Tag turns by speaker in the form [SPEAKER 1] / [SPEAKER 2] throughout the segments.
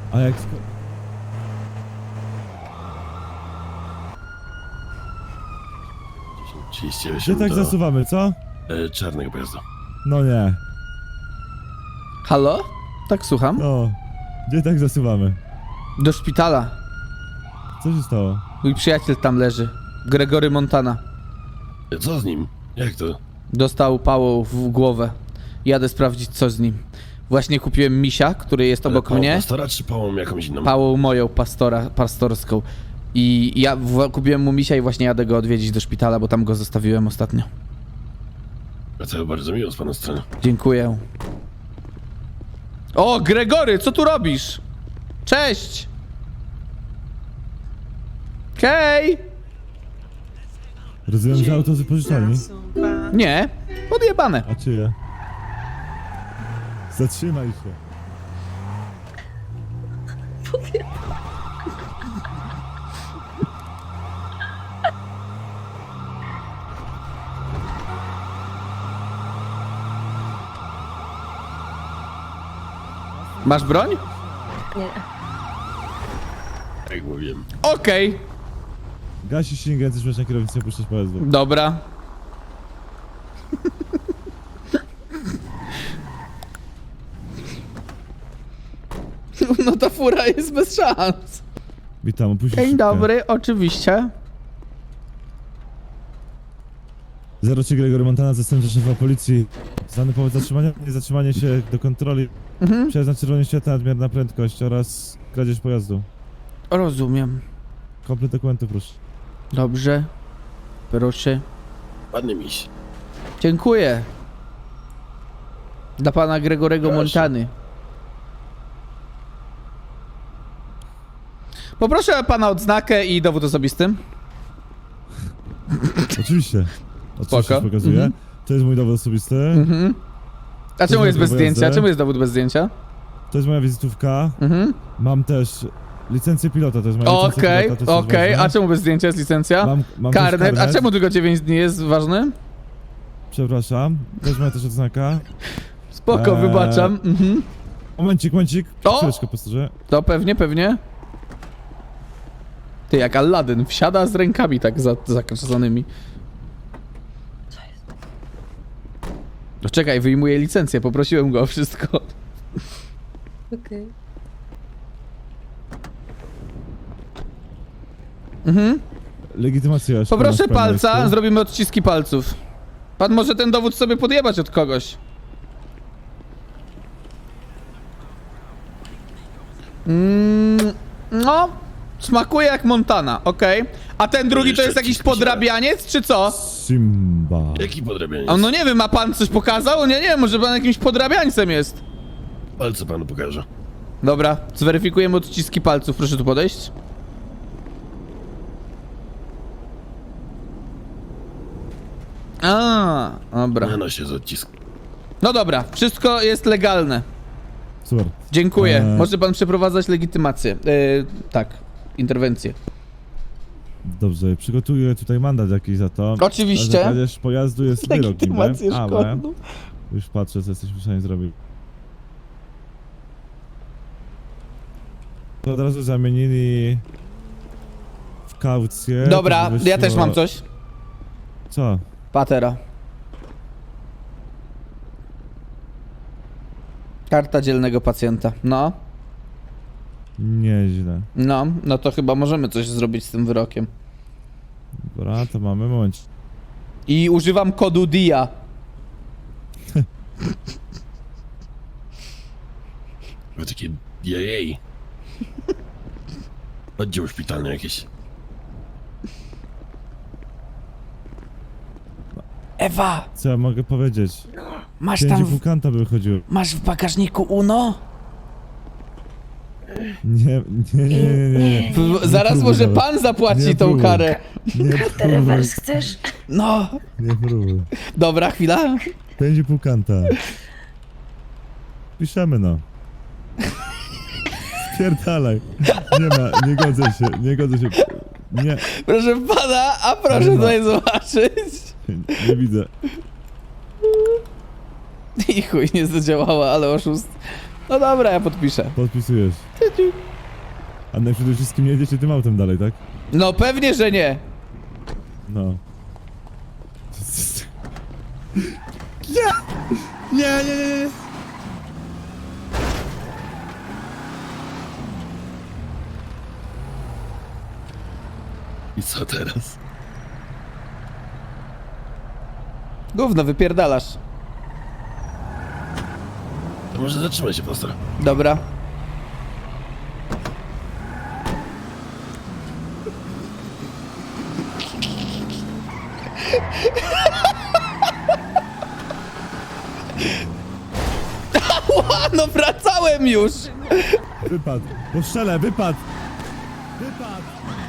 [SPEAKER 1] A jak...
[SPEAKER 2] 39
[SPEAKER 1] Gdzie tak
[SPEAKER 2] do
[SPEAKER 1] zasuwamy, co?
[SPEAKER 2] czarnego pojazdu.
[SPEAKER 1] No nie.
[SPEAKER 3] Halo? Tak, słucham.
[SPEAKER 1] No. Gdzie tak zasuwamy?
[SPEAKER 3] Do szpitala.
[SPEAKER 1] Co się stało?
[SPEAKER 3] Mój przyjaciel tam leży. Gregory Montana.
[SPEAKER 2] Co z nim? Jak to?
[SPEAKER 3] Dostał pałą w głowę. Jadę sprawdzić, co z nim. Właśnie kupiłem misia, który jest obok
[SPEAKER 2] Pałą
[SPEAKER 3] mnie.
[SPEAKER 2] pastora czy pałą jakąś inną?
[SPEAKER 3] Pałą moją, pastorską. I ja kupiłem mu misia i właśnie jadę go odwiedzić do szpitala, bo tam go zostawiłem ostatnio.
[SPEAKER 2] A to bardzo miło z pana strony.
[SPEAKER 3] Dziękuję. O, Gregory, co tu robisz? Cześć! Hej!
[SPEAKER 1] Rozumiem, że auto z wypożyczalni?
[SPEAKER 3] Nie, podjebane.
[SPEAKER 1] A czyje? Zatrzymaj się.
[SPEAKER 3] Masz broń?
[SPEAKER 4] Nie.
[SPEAKER 2] Jak mówiłem.
[SPEAKER 3] Okej,
[SPEAKER 1] Gasisz silnik, chcesz na kierownicę puszczać pojazdu.
[SPEAKER 3] dobra. No ta fura jest bez szans.
[SPEAKER 1] Witam, opuścić
[SPEAKER 3] Dzień
[SPEAKER 1] szybkę.
[SPEAKER 3] dobry, oczywiście.
[SPEAKER 1] 03 Gregory Montana, zastępca szefa policji. Znany powód zatrzymania, niezatrzymanie się do kontroli. Przejazd na czerwonym świetle, nadmierna prędkość oraz kradzież pojazdu.
[SPEAKER 3] Rozumiem.
[SPEAKER 1] Komplet dokumentu, proszę.
[SPEAKER 3] Dobrze. Proszę.
[SPEAKER 2] Ładny miś.
[SPEAKER 3] Dziękuję. Dla pana Gregorego
[SPEAKER 2] Proszę.
[SPEAKER 3] Montany. Poproszę pana odznakę i dowód osobisty.
[SPEAKER 1] Oczywiście. Oczywiście
[SPEAKER 3] Spoko.
[SPEAKER 1] pokazuję.
[SPEAKER 3] Mhm.
[SPEAKER 1] To jest mój dowód osobisty.
[SPEAKER 3] A czemu jest bez
[SPEAKER 1] Pojazdy.
[SPEAKER 3] zdjęcia? Czemu jest dowód bez zdjęcia?
[SPEAKER 1] To jest moja wizytówka.
[SPEAKER 3] Mhm.
[SPEAKER 1] Mam też licencję pilota, to jest moja licencja
[SPEAKER 3] Okej,
[SPEAKER 1] pilota. to jest też
[SPEAKER 3] okej.
[SPEAKER 1] ważne.
[SPEAKER 3] A czemu bez zdjęcia jest licencja?
[SPEAKER 1] Mam też
[SPEAKER 3] Karnet. A czemu tylko 9 dni jest ważny?
[SPEAKER 1] Przepraszam. To jest moja też odznaka.
[SPEAKER 3] Spoko, wybaczam. Mhm.
[SPEAKER 1] Momencik.
[SPEAKER 3] O!
[SPEAKER 1] Chwileczkę, pastorze.
[SPEAKER 3] To pewnie, pewnie. Ty, jak Aladdin, wsiada z rękami tak zakrzesanymi. No czekaj, wyjmuję licencję, poprosiłem go o wszystko.
[SPEAKER 4] Okej.
[SPEAKER 1] Legitymacja.
[SPEAKER 3] Poproszę
[SPEAKER 1] szkolna w
[SPEAKER 3] palca,
[SPEAKER 1] Pańsku.
[SPEAKER 3] zrobimy odciski palców. Pan może ten dowód sobie podjebać od kogoś. No, smakuje jak Montana, okej. A ten drugi to
[SPEAKER 2] jeszcze
[SPEAKER 3] jest jakiś
[SPEAKER 2] odciski
[SPEAKER 3] podrabianiec, czy co?
[SPEAKER 1] Simba.
[SPEAKER 2] Jaki podrabianiec?
[SPEAKER 3] A no nie wiem, ma pan coś pokazał? Nie, może pan jakimś podrabiańcem jest.
[SPEAKER 2] Palce panu pokażę.
[SPEAKER 3] Dobra, zweryfikujemy odciski palców, proszę tu podejść. A, dobra.
[SPEAKER 2] Na nosie z odcisku.
[SPEAKER 3] No dobra, wszystko jest legalne.
[SPEAKER 1] Super.
[SPEAKER 3] Dziękuję. Może pan przeprowadzać legitymację. Tak, interwencję.
[SPEAKER 1] Dobrze, przygotuję tutaj mandat jakiś za to.
[SPEAKER 3] Oczywiście.
[SPEAKER 1] A za kradzież pojazdu jest wyrok,
[SPEAKER 3] Legitymację
[SPEAKER 1] niby, ale
[SPEAKER 3] szkolną.
[SPEAKER 1] już patrzę, co jesteśmy w stanie zrobić. To od razu zamienili w kaucję.
[SPEAKER 3] Dobra,
[SPEAKER 1] to by
[SPEAKER 3] ja też
[SPEAKER 1] wyszło-
[SPEAKER 3] mam coś.
[SPEAKER 1] Co?
[SPEAKER 3] Patera. Karta dzielnego pacjenta. No,
[SPEAKER 1] Nieźle.
[SPEAKER 3] no to chyba możemy coś zrobić z tym wyrokiem.
[SPEAKER 1] Dobra, to mamy moment.
[SPEAKER 3] I używam kodu DIA.
[SPEAKER 2] Były takie jej. Oddział szpitalny jakieś.
[SPEAKER 3] Ewa,
[SPEAKER 1] Co ja mogę powiedzieć?
[SPEAKER 3] masz
[SPEAKER 1] 5,5 kanta by wychodziło.
[SPEAKER 3] masz w bagażniku UNO?
[SPEAKER 1] Nie.
[SPEAKER 3] Zaraz
[SPEAKER 1] próbuj
[SPEAKER 3] może
[SPEAKER 1] nawet.
[SPEAKER 3] pan zapłaci
[SPEAKER 1] Nie
[SPEAKER 3] tą
[SPEAKER 1] próbuj.
[SPEAKER 3] karę.
[SPEAKER 1] Nie
[SPEAKER 4] Kartę
[SPEAKER 1] próbuj.
[SPEAKER 4] rewers chcesz?
[SPEAKER 3] No,
[SPEAKER 1] Nie próbuj.
[SPEAKER 3] dobra, chwila.
[SPEAKER 1] 5,5 kanta. Piszemy no. Spierdalaj. Nie godzę się. Nie,
[SPEAKER 3] Proszę pana, a proszę
[SPEAKER 1] Nie ma.
[SPEAKER 3] tutaj zobaczyć.
[SPEAKER 1] nie widzę.
[SPEAKER 3] I chuj, nie zadziałała, ale oszust. No dobra, ja podpiszę.
[SPEAKER 1] Podpisujesz. A na przede wszystkim nie jedziecie tym autem dalej, tak?
[SPEAKER 3] No pewnie, że nie.
[SPEAKER 1] No. Nie.
[SPEAKER 2] I co teraz?
[SPEAKER 3] Gówno, wypierdalasz.
[SPEAKER 2] To może zatrzymaj się, pastor.
[SPEAKER 3] Dobra. Ała, no wracałem już!
[SPEAKER 1] Wypadł. Postrzelę, wypadł. Wypadł.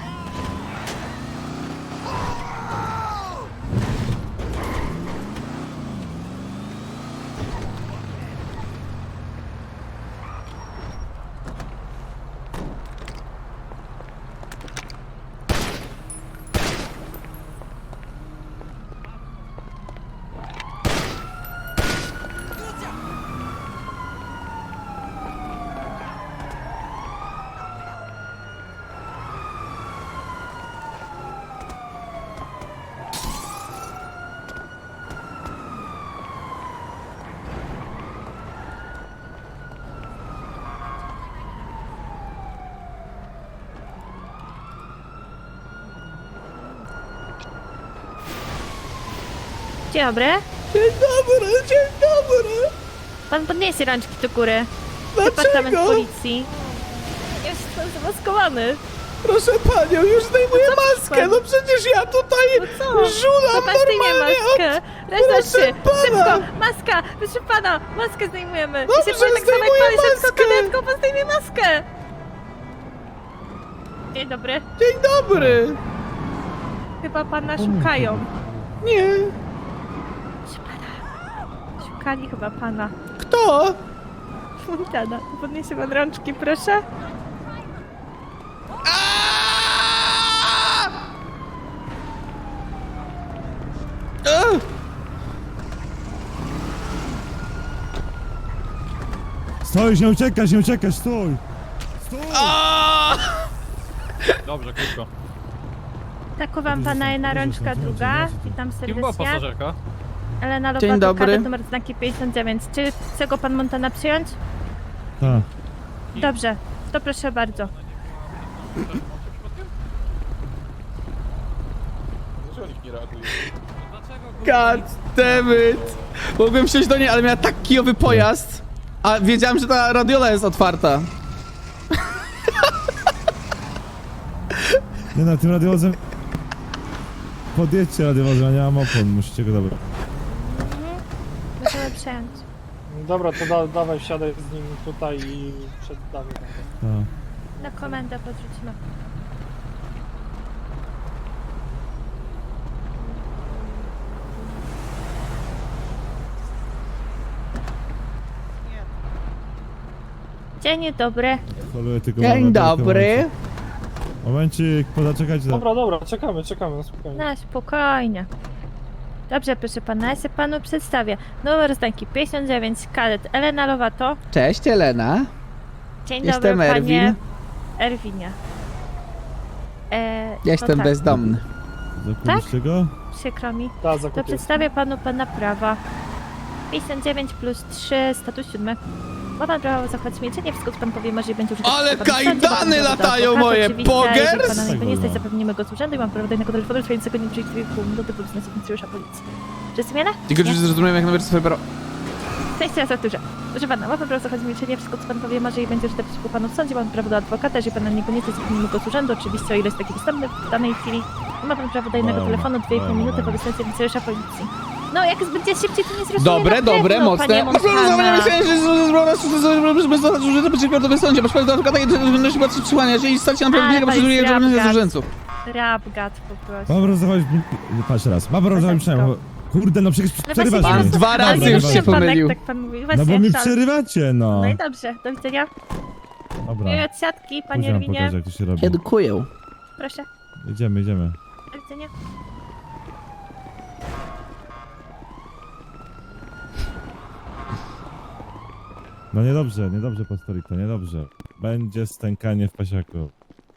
[SPEAKER 4] Dzień dobry.
[SPEAKER 3] Dzień dobry!
[SPEAKER 4] Pan podniesie rączki do góry. Departament
[SPEAKER 3] Dlaczego?
[SPEAKER 4] policji. Jest pan zamaskowany.
[SPEAKER 3] Proszę panią, już zdejmuję
[SPEAKER 4] No co
[SPEAKER 3] maskę,
[SPEAKER 4] pan?
[SPEAKER 3] no przecież ja tutaj
[SPEAKER 4] No co?
[SPEAKER 3] żulam
[SPEAKER 4] To pan zdejmie
[SPEAKER 3] normalnie
[SPEAKER 4] maskę. Raz, dwa,
[SPEAKER 3] Proszę
[SPEAKER 4] trzy.
[SPEAKER 3] pana.
[SPEAKER 4] Szybko. Maska. Proszę pana. Maskę zdejmujemy.
[SPEAKER 3] Dobrze,
[SPEAKER 4] I się pan tak samo jak
[SPEAKER 3] zdejmuję
[SPEAKER 4] pan szybko
[SPEAKER 3] maskę.
[SPEAKER 4] kadetką. Pan zdejmie maskę. Dzień dobry.
[SPEAKER 3] Dzień dobry!
[SPEAKER 4] Chyba pana szukają.
[SPEAKER 3] Nie.
[SPEAKER 4] Proszę pana. Szukali chyba pana.
[SPEAKER 3] Kto?
[SPEAKER 4] Montana. Podniesie pan rączki, proszę.
[SPEAKER 1] Stój, nie uciekasz, stój. Stój.
[SPEAKER 5] Dobrze, krótko.
[SPEAKER 4] Takowałam pana jedna rączka druga. Witam
[SPEAKER 5] Kim była
[SPEAKER 4] serdecznie.
[SPEAKER 5] pasażerka?
[SPEAKER 4] Elena
[SPEAKER 3] Dzień
[SPEAKER 4] Lobato,
[SPEAKER 3] dobry.
[SPEAKER 4] kadet numer znaki 59. Czy chce go pan Montana przyjąć?
[SPEAKER 1] Tak.
[SPEAKER 4] Dobrze, to proszę bardzo.
[SPEAKER 3] God damn it! Mogłem wsiąść do niej, ale miała tak kijowy pojazd. A wiedziałem, że ta radiola jest otwarta.
[SPEAKER 1] Nie no, tym radiowozem... Podjedźcie radiowozem, ja nie mam opon, musicie go zabrać.
[SPEAKER 4] Możemy przejąć.
[SPEAKER 6] Dobra, to dawaj, wsiadaj z nim tutaj i przeddamy tam.
[SPEAKER 1] Tak.
[SPEAKER 4] Na komendę podrzucimy. Dzień dobry.
[SPEAKER 1] Holuję tylko
[SPEAKER 3] Dzień
[SPEAKER 1] moment, tylko
[SPEAKER 3] dobry.
[SPEAKER 1] moment. Momencik, pozaczekajcie.
[SPEAKER 6] Dobra, czekamy, na spokojnie.
[SPEAKER 4] Na spokojnie. Dobrze, proszę pana, ja się panu przedstawię. Numer znaki 59, kadet Elena Lobato.
[SPEAKER 3] Cześć, Elena.
[SPEAKER 4] Dzień
[SPEAKER 3] Jestem
[SPEAKER 4] dobry,
[SPEAKER 3] Erwin.
[SPEAKER 4] panie Erwinie.
[SPEAKER 3] Jestem
[SPEAKER 4] tak,
[SPEAKER 3] bezdomny.
[SPEAKER 1] Zakuliście go?
[SPEAKER 4] Przykro mi.
[SPEAKER 6] Da,
[SPEAKER 4] To
[SPEAKER 6] zakupię.
[SPEAKER 4] przedstawię panu pana prawa. 59 plus 3, status 7. Ma pan prawo zachować milczenie, wszystko co pan powie może i będzie użyte
[SPEAKER 3] Ale
[SPEAKER 4] przeciwko panu w sądzie,
[SPEAKER 3] kajdany
[SPEAKER 4] ma pan prawo do
[SPEAKER 3] latają
[SPEAKER 4] adwokata,
[SPEAKER 3] moje,
[SPEAKER 4] oczywiście,
[SPEAKER 3] pogers?
[SPEAKER 4] Jeżeli pana nie stać,
[SPEAKER 1] Tak,
[SPEAKER 4] zapewnimy go z urzędu i mam prawo do jednego telefonu trwającego nie przejdzie 2,5 minuty wobec nas funkcjonariusza policji. Zrozumiane?
[SPEAKER 3] Tylko,
[SPEAKER 4] Nie?
[SPEAKER 3] że zrozumiałem, jak numer swojego...
[SPEAKER 4] Kwestia zaturze. Proszę pana, ma pan prawo zachować milczenie, wszystko co pan powie może i będzie użyte przeciwko panu w sądzie, mam prawo do adwokata, jeżeli pana niekoniecznie zapewnimy go z urzędu, oczywiście o ile jest taki dostępny w danej chwili. I ma pan prawo do jednego
[SPEAKER 1] Dobra,
[SPEAKER 4] telefonu 2,5
[SPEAKER 1] dobra,
[SPEAKER 4] minuty
[SPEAKER 1] dobra.
[SPEAKER 4] wobec nas funkcjonariusza policji. No, jak będzie szybciej, to nie zrozumie
[SPEAKER 3] Dobre,
[SPEAKER 4] na
[SPEAKER 3] dobre,
[SPEAKER 4] pewno,
[SPEAKER 3] mocne.
[SPEAKER 4] panie
[SPEAKER 3] Masz prawo do zachowania
[SPEAKER 4] Montana.
[SPEAKER 3] myślenia, że użyte przeciwko to w sądzie. Masz prawo do adwokata i będziesz chyba przytrzymania. Jeżeli stać się na
[SPEAKER 4] Ale
[SPEAKER 3] prawdziwego,
[SPEAKER 4] to
[SPEAKER 3] proceduje
[SPEAKER 4] jest
[SPEAKER 3] egzamin z
[SPEAKER 4] rabgat.
[SPEAKER 3] urzędców.
[SPEAKER 4] Rabgat po prostu.
[SPEAKER 1] Mam rozdawać... Patrz raz, mam rozdawać przynajmniej... Kurde, no przecież
[SPEAKER 4] No
[SPEAKER 1] przerywacie
[SPEAKER 4] właśnie
[SPEAKER 3] Pan
[SPEAKER 1] mnie.
[SPEAKER 4] nie
[SPEAKER 3] dwa
[SPEAKER 4] rozumiem,
[SPEAKER 3] razy
[SPEAKER 4] ale
[SPEAKER 3] już
[SPEAKER 4] nie
[SPEAKER 3] się
[SPEAKER 4] rozumiem,
[SPEAKER 3] pomylił.
[SPEAKER 4] Tak pan mówi.
[SPEAKER 1] No
[SPEAKER 4] Właśnie,
[SPEAKER 1] bo mi
[SPEAKER 4] szal.
[SPEAKER 1] przerywacie, no.
[SPEAKER 4] No i dobrze, do widzenia.
[SPEAKER 1] Dobra,
[SPEAKER 4] Miłej odsiadki, panie
[SPEAKER 1] później wam
[SPEAKER 4] Erwinie.
[SPEAKER 1] pokażę, jak to się robi.
[SPEAKER 3] Dziękuję.
[SPEAKER 4] Proszę,
[SPEAKER 1] Jedziemy.
[SPEAKER 4] do widzenia.
[SPEAKER 1] No niedobrze, niedobrze, pastorito, niedobrze. Będzie stękanie w pasiaku.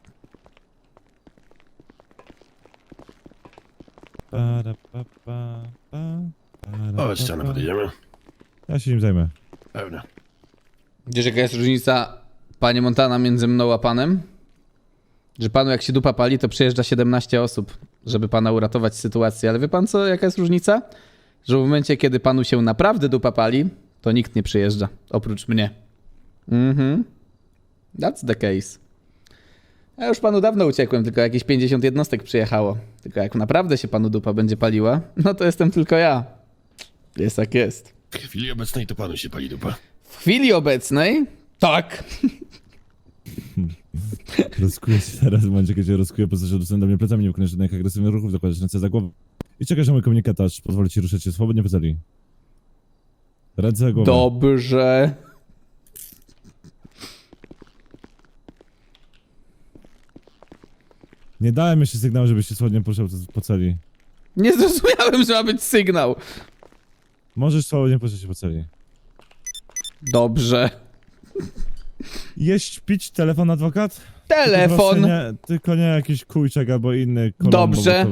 [SPEAKER 1] Para, pa, pa, pa, para,
[SPEAKER 2] O,
[SPEAKER 1] pa,
[SPEAKER 2] ścianę
[SPEAKER 1] pa.
[SPEAKER 2] podjedziemy.
[SPEAKER 1] Ja się nim zajmę.
[SPEAKER 2] Pewnie.
[SPEAKER 3] Wiesz, jaka jest różnica, panie Montana, między mną a panem? Że panu jak się dupa pali, to przyjeżdża 17 osób, żeby pana uratować z sytuacji. Ale wie pan co, jaka jest różnica? Że w momencie, kiedy panu się naprawdę dupa pali, to nikt nie przyjeżdża, oprócz mnie. That's the case. Ja już panu dawno uciekłem, tylko jakieś 50 jednostek przyjechało. Tylko jak naprawdę się panu dupa będzie paliła, no to jestem tylko ja. Jest jak jest.
[SPEAKER 2] W chwili obecnej to panu się pali dupa.
[SPEAKER 3] W chwili obecnej, tak.
[SPEAKER 1] Rozkuję się teraz, w momencie, kiedy się rozkuję, po prostu się do mnie plecami, nie wykonasz żadnych agresywnych ruchów, zakładasz ręce za głowę. I czekasz na mój komunikatorz, pozwolę ci ruszać się swobodnie po celi. Ręce za głowę.
[SPEAKER 3] Dobrze.
[SPEAKER 1] Nie dałem jeszcze sygnału, żebyś się swobodnie poruszał po celi.
[SPEAKER 3] Nie zrozumiałem, że ma być sygnał.
[SPEAKER 1] Możesz swobodnie poruszać się po celi.
[SPEAKER 3] Dobrze.
[SPEAKER 1] Jeść, pić, telefon, adwokat?
[SPEAKER 3] Telefon.
[SPEAKER 1] Tylko nie jakiś kujczek albo inny kolombo.
[SPEAKER 3] Dobrze.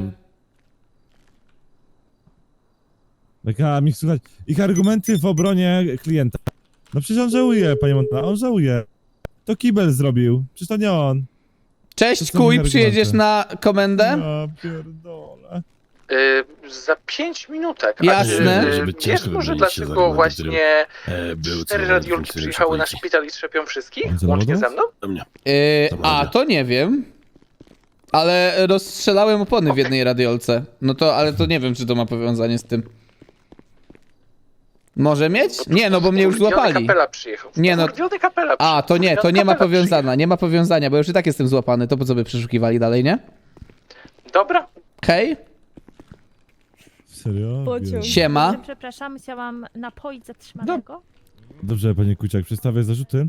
[SPEAKER 1] Taka mi słuchać. Ich argumenty w obronie klienta. No przecież on żałuje, panie Montana, on żałuje. To kibel zrobił, przecież to nie on.
[SPEAKER 3] Cześć,
[SPEAKER 1] To są
[SPEAKER 3] kuj,
[SPEAKER 1] moje
[SPEAKER 3] przyjedziesz
[SPEAKER 1] argumenty.
[SPEAKER 3] na komendę?
[SPEAKER 1] Ja pierdolę.
[SPEAKER 5] Za 5 minutek.
[SPEAKER 3] Jasne.
[SPEAKER 2] Żeby
[SPEAKER 5] Wiesz
[SPEAKER 2] ciężko
[SPEAKER 5] może
[SPEAKER 2] wymienić się z
[SPEAKER 5] dlaczego
[SPEAKER 2] argumentem, którym,
[SPEAKER 5] właśnie
[SPEAKER 2] był
[SPEAKER 5] 4
[SPEAKER 2] celowany
[SPEAKER 5] radiolki
[SPEAKER 2] funkcjonariusz
[SPEAKER 5] przyjechały na
[SPEAKER 2] policji.
[SPEAKER 5] szpital i trzepią wszystkich?
[SPEAKER 1] On co,
[SPEAKER 5] Łącznie
[SPEAKER 1] lodów?
[SPEAKER 5] ze mną?
[SPEAKER 2] Do mnie.
[SPEAKER 3] A, to nie wiem. Ale rozstrzelałem opony w jednej radiolce. No to, ale to nie wiem, czy to ma powiązanie z tym. Może mieć? Nie, no bo mnie już złapali.
[SPEAKER 5] Kapela przyjechał.
[SPEAKER 3] Nie, no-
[SPEAKER 5] Kapela
[SPEAKER 3] A, to nie, to nie ma
[SPEAKER 5] Kapela
[SPEAKER 3] powiązania, nie ma powiązania, bo już i tak jestem złapany, to po co by przeszukiwali dalej, nie?
[SPEAKER 5] przyjechał. Dobra.
[SPEAKER 3] Hej,
[SPEAKER 1] Serio?
[SPEAKER 4] Pociąg.
[SPEAKER 1] Wiem.
[SPEAKER 3] siema.
[SPEAKER 4] Przepraszam, chciałam napoić zatrzymanego.
[SPEAKER 1] Dobrze, panie Kuciak, przedstawię zarzuty.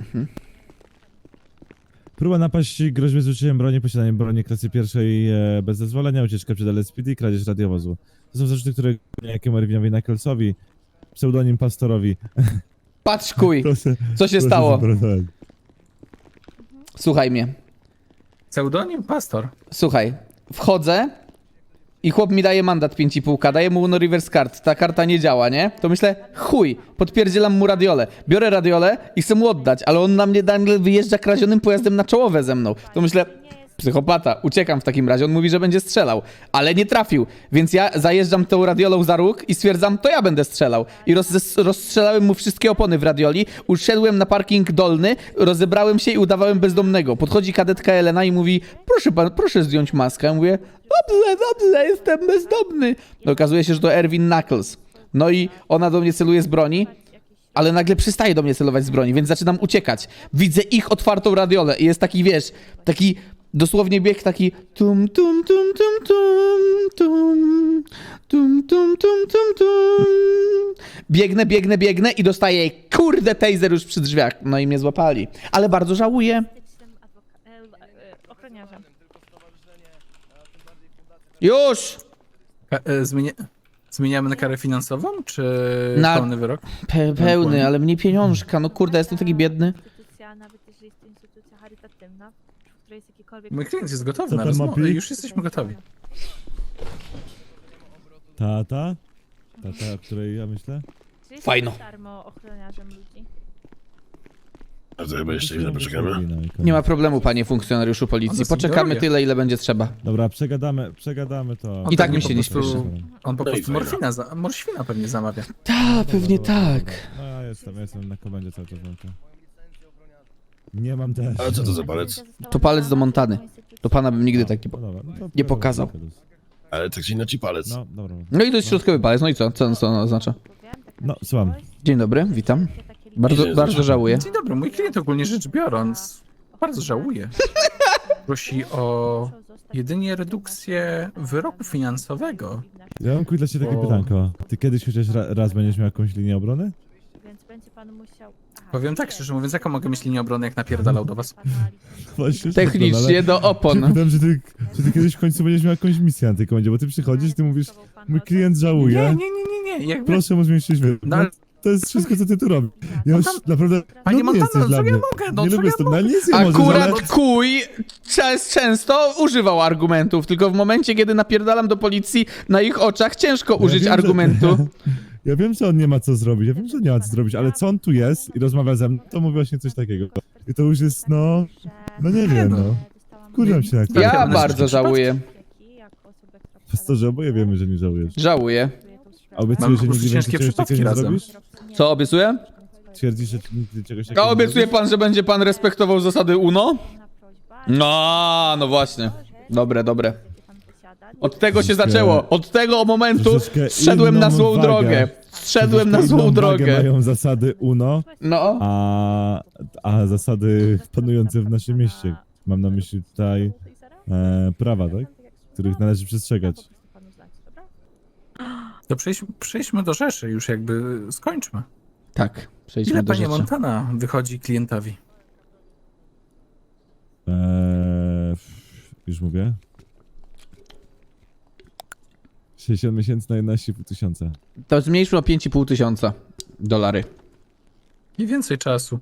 [SPEAKER 1] Próba napaści, groźby z użyciem broni, posiadanie broni klasy pierwszej bez zezwolenia, ucieczka przed LSPD, kradzież radiowozu. To są zarzuty, które jakiemu Erwinowi Knuckles'owi, pseudonim Pastorowi.
[SPEAKER 3] Patrz kuj,
[SPEAKER 1] Proszę,
[SPEAKER 3] co się
[SPEAKER 1] proszę
[SPEAKER 3] stało?
[SPEAKER 1] zaprotokołować.
[SPEAKER 3] Słuchaj mnie.
[SPEAKER 7] Pseudonim Pastor.
[SPEAKER 3] Słuchaj, wchodzę i chłop mi daje mandat 5,5K, daje mu no reverse card, ta karta nie działa, nie? To myślę, chuj, podpierdzielam mu radiolę. Biorę radiolę i chcę mu oddać, ale on na mnie nagle wyjeżdża kradzionym pojazdem na czołowe ze mną. To myślę, psychopata, uciekam w takim razie, on mówi, że będzie strzelał, ale nie trafił, więc ja zajeżdżam tą radiolą za róg i stwierdzam, to ja będę strzelał. I rozstrzelałem mu wszystkie opony w radioli, uszedłem na parking dolny, rozebrałem się i udawałem bezdomnego. Podchodzi kadetka Elena i mówi, proszę pan, proszę zdjąć maskę. Ja mówię, dobrze, jestem bezdomny. No, okazuje się, że to Erwin Knuckles. No i ona do mnie celuje z broni, ale nagle przestaje do mnie celować z broni, więc zaczynam uciekać. Widzę ich otwartą radiolę i jest taki, wiesz, taki dosłownie bieg taki tum tum tum tum tum tum tum tum tum tum tum. Biegnę i dostaję kurde taser już przy drzwiach. No i mnie złapali. Ale bardzo żałuję.
[SPEAKER 4] Ochroniarzem.
[SPEAKER 3] Już!
[SPEAKER 7] Zmieniamy na karę finansową, czy
[SPEAKER 3] Na-
[SPEAKER 7] pełny wyrok?
[SPEAKER 3] Pełny, ale mnie pieniążka. No kurde, jestem taki biedny.
[SPEAKER 4] Instytucja, nawet jeżeli jest to instytucja charytatywna, w której jest jakikolwiek...
[SPEAKER 7] Mój klient jest gotowy
[SPEAKER 1] Co
[SPEAKER 7] na
[SPEAKER 1] tam ma
[SPEAKER 7] rozmowę.
[SPEAKER 1] plik?
[SPEAKER 7] Już jesteśmy gotowi.
[SPEAKER 1] Tata? Tata, o której ja myślę?
[SPEAKER 4] Czy jest
[SPEAKER 3] Fajno.
[SPEAKER 4] darmo ochroniarzem ludzi?
[SPEAKER 2] A to chyba jeszcze chwilę poczekamy.
[SPEAKER 3] Nie ma problemu, panie funkcjonariuszu policji.
[SPEAKER 7] One są
[SPEAKER 3] Poczekamy
[SPEAKER 7] drogie.
[SPEAKER 3] tyle, ile będzie trzeba.
[SPEAKER 1] Dobra, przegadamy to.
[SPEAKER 3] I tak
[SPEAKER 7] pewnie
[SPEAKER 3] mi się
[SPEAKER 7] po
[SPEAKER 3] nie
[SPEAKER 7] prostu-
[SPEAKER 3] spieszy.
[SPEAKER 7] On po
[SPEAKER 2] No i
[SPEAKER 7] prostu
[SPEAKER 2] fajna.
[SPEAKER 7] morświna pewnie zamawia.
[SPEAKER 3] Ta, pewnie tak.
[SPEAKER 1] No ja jestem na komendzie cały czas. Nie mam też.
[SPEAKER 2] A co to za palec?
[SPEAKER 3] To palec do Montany. Do pana bym nigdy taki...
[SPEAKER 1] No dobra, no to
[SPEAKER 3] nie pokazał.
[SPEAKER 2] Ale tak czy inaczej palec.
[SPEAKER 1] No, dobra.
[SPEAKER 3] No i to jest środkowy palec, no i co? Co on oznacza?
[SPEAKER 1] No, słucham.
[SPEAKER 3] Dzień dobry, witam. Bardzo żałuję.
[SPEAKER 7] Dzień dobry, mój klient ogólnie rzecz biorąc bardzo żałuje. Prosi o jedynie redukcję wyroku finansowego.
[SPEAKER 1] Ja mam dla ciebie takie
[SPEAKER 7] O.
[SPEAKER 1] pytanko. Ty kiedyś chociaż raz będziesz miał jakąś linię obrony?
[SPEAKER 4] Więc będzie pan musiał... Aha,
[SPEAKER 7] Powiem tak szczerze mówiąc, jaką mogę mieć linię obrony, jak napierdalał do was?
[SPEAKER 1] Właśnie,
[SPEAKER 3] Technicznie do opon.
[SPEAKER 1] Pytam, że ty kiedyś w końcu będziesz miał jakąś misję na tej komendzie, bo ty przychodzisz, ty mówisz, mój klient żałuje,
[SPEAKER 7] Nie. Jakby,
[SPEAKER 1] proszę mu zmniejszyć wyrok.
[SPEAKER 7] no, ale
[SPEAKER 1] To jest wszystko, co ty tu robisz. Ja już naprawdę...
[SPEAKER 7] Panie
[SPEAKER 1] no, nie jesteś
[SPEAKER 7] Montana,
[SPEAKER 1] dla
[SPEAKER 7] co ja
[SPEAKER 1] mnie.
[SPEAKER 7] mogę? No
[SPEAKER 1] nie
[SPEAKER 7] co
[SPEAKER 1] lubię
[SPEAKER 7] ja
[SPEAKER 1] z tym,
[SPEAKER 7] mogę?
[SPEAKER 1] no nic nie możesz,
[SPEAKER 3] Akurat
[SPEAKER 1] ale...
[SPEAKER 3] kuj często używał argumentów, tylko w momencie, kiedy napierdalam do policji na ich oczach, ciężko użyć
[SPEAKER 1] wiem, że-
[SPEAKER 3] argumentu.
[SPEAKER 1] Ja wiem, że on nie ma co zrobić, ja wiem, że nie ma co zrobić, ale co on tu jest i rozmawia ze mną, to mówi właśnie coś takiego. I to już jest, no nie wiem, no. Kurzam się jak
[SPEAKER 3] Ja
[SPEAKER 7] Tak,
[SPEAKER 3] bardzo
[SPEAKER 7] przypadki.
[SPEAKER 3] żałuję.
[SPEAKER 1] Pastorze, oboje wiemy, że nie żałujesz.
[SPEAKER 3] Żałuję.
[SPEAKER 1] A
[SPEAKER 7] Mam
[SPEAKER 1] obiecujesz,
[SPEAKER 7] po
[SPEAKER 1] że
[SPEAKER 7] prostu
[SPEAKER 1] nigdy więcej
[SPEAKER 7] ciężkie
[SPEAKER 1] czegoś takiego
[SPEAKER 7] przypadki
[SPEAKER 1] nie
[SPEAKER 7] razem.
[SPEAKER 1] zrobisz?
[SPEAKER 3] Co obiecuję?
[SPEAKER 1] Twierdzisz, że nigdy czegoś takiego
[SPEAKER 3] A
[SPEAKER 1] nie
[SPEAKER 3] obiecuje
[SPEAKER 1] zrobisz?
[SPEAKER 3] pan, że będzie pan respektował zasady UNO? No właśnie. Dobre. Od tego się
[SPEAKER 1] Troszeczkę-
[SPEAKER 3] zaczęło. Od tego momentu
[SPEAKER 1] troszeczkę
[SPEAKER 3] zszedłem na
[SPEAKER 1] inną
[SPEAKER 3] złą
[SPEAKER 1] wagę.
[SPEAKER 3] drogę. Zszedłem na
[SPEAKER 1] Troszeczkę
[SPEAKER 3] złą
[SPEAKER 1] inną wagę
[SPEAKER 3] drogę.
[SPEAKER 1] mają zasady UNO,
[SPEAKER 3] No.
[SPEAKER 1] a zasady panujące w naszym mieście. Mam na myśli tutaj prawa, tak? Których należy przestrzegać.
[SPEAKER 7] To przejdźmy do rzeczy, już jakby skończmy.
[SPEAKER 3] Tak, przejdźmy
[SPEAKER 7] Ile
[SPEAKER 3] do
[SPEAKER 7] panie
[SPEAKER 3] rzeczy.
[SPEAKER 7] Montana wychodzi klientowi?
[SPEAKER 1] Już mówię. 60 miesięcy na 11,5 tysiąca.
[SPEAKER 3] To zmniejszmy o 5,5 tysiąca $.
[SPEAKER 7] I więcej czasu.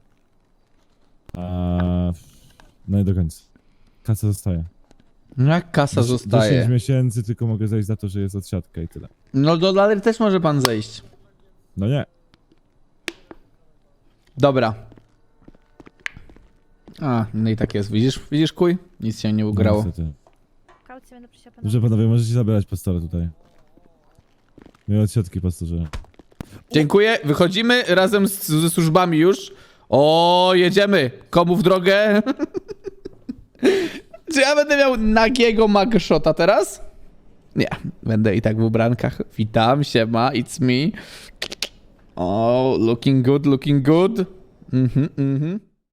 [SPEAKER 1] No i do końca. Kasa zostaje.
[SPEAKER 3] No jak kasa
[SPEAKER 1] 10
[SPEAKER 3] zostaje?
[SPEAKER 1] miesięcy, tylko mogę zejść za to, że jest odsiadka i tyle.
[SPEAKER 3] No $1 też może pan zejść.
[SPEAKER 1] No nie.
[SPEAKER 3] Dobra. No i tak jest. Widzisz kuj? Nic się nie ugrało.
[SPEAKER 1] Niestety. Dobrze panowie, możecie zabierać pastora tutaj. Miłe odsiadki, pastorze.
[SPEAKER 3] Dziękuję. Wychodzimy razem ze służbami już. O, jedziemy. Komu w drogę? Czy ja będę miał nagiego mugshota teraz? Nie, będę i tak w ubrankach. Witam, siema, it's me. O, looking good. Mhm.